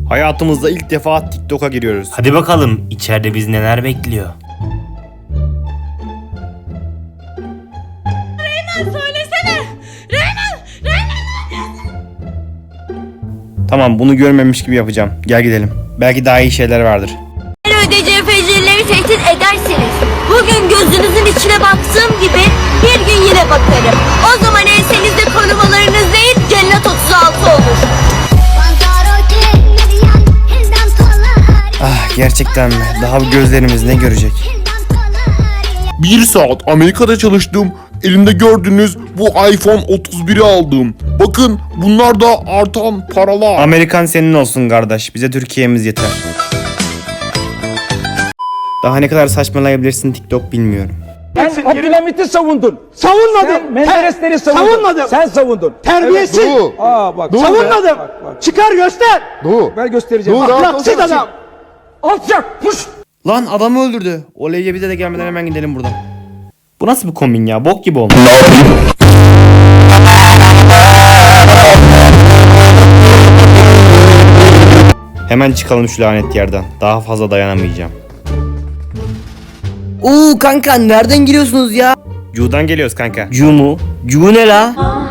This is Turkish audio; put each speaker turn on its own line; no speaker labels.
Hayatımızda ilk defa TikTok'a giriyoruz.
Hadi bakalım içeride biz neler bekliyor.
Söylesene. Reymen.
Tamam, bunu görmemiş gibi yapacağım. Gel gidelim. Belki daha iyi şeyler vardır.
Ödeyeceği fecirleri tehdit edersiniz. Bugün gözünüzün içine baktığım gibi bir gün yine bakarım. O zaman ensenizde korumalarınız değil cennet 36 olur.
Ah, gerçekten mi? Daha bu gözlerimiz ne görecek?
1 saat Amerika'da çalıştım. Elimde gördüğünüz bu iPhone 31'i aldım. Bakın bunlar da artan paralar.
Amerikan senin olsun kardeş. Bize Türkiye'miz yeter. Daha ne kadar saçmalayabilirsin TikTok bilmiyorum.
Sen Abdülhamit'i savundun.
Savunmadım.
Sen Menderesleri savundun.
Savunmadım.
Sen savundun.
Terbiyesiz.
Dur.
Bak.
Dur.
Savunmadım.
Bak.
Çıkar göster.
Dur.
Ben göstereceğim.
Dur,
Ahlaksız adam.
Alçak. Puş.
Lan adamı öldürdü. Oley'e bize de gelmeden hemen gidelim buradan. Bu nasıl bir kombin ya? Bok gibi olmuş. Hemen çıkalım şu lanet yerden. Daha fazla dayanamayacağım.
Oo kanka nereden giriyorsunuz ya?
Cu'dan geliyoruz kanka.
Cu mu? Cu ne la?